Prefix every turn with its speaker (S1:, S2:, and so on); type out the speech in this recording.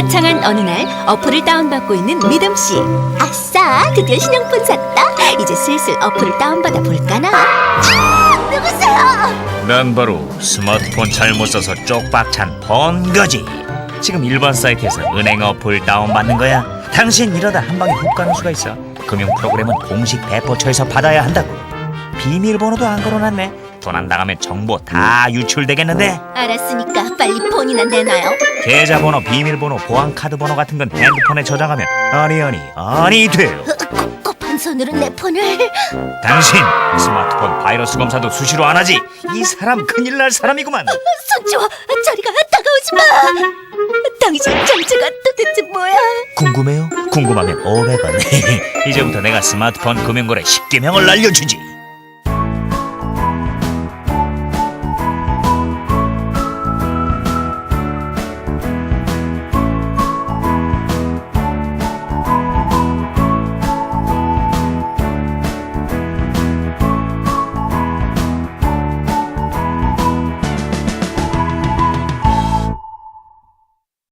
S1: 화창한 어느 날 어플을 다운받고 있는 믿음씨. 아싸, 드디어 신용폰 샀다. 이제 슬슬 어플을 다운받아 볼까나. 누구세요?
S2: 난 바로 스마트폰 잘못 써서 쪽박찬 번거지. 지금 일반 사이트에서 은행 어플 다운받는 거야. 당신 이러다 한 방에 훅 가는 수가 있어. 금융 프로그램은 공식 배포처에서 받아야 한다고. 비밀번호도 안 걸어놨네. 도난 당하면 정보 다 유출되겠는데.
S1: 알았으니까 빨리 폰이나 내놔요.
S2: 계좌번호, 비밀번호, 보안카드 번호 같은 건 핸드폰에 저장하면 아니 돼요.
S1: 꼭 한 손으로 내 폰을.
S2: 당신 스마트폰 바이러스 검사도 수시로 안 하지? 이 사람 큰일 날 사람이구만.
S1: 손 치워. 저리가. 다가오지 마. 당신 정체가 도대체 뭐야?
S2: 궁금해요? 궁금하면 500원. 이제부터 내가 스마트폰 금융거래 10개명을 알려주지.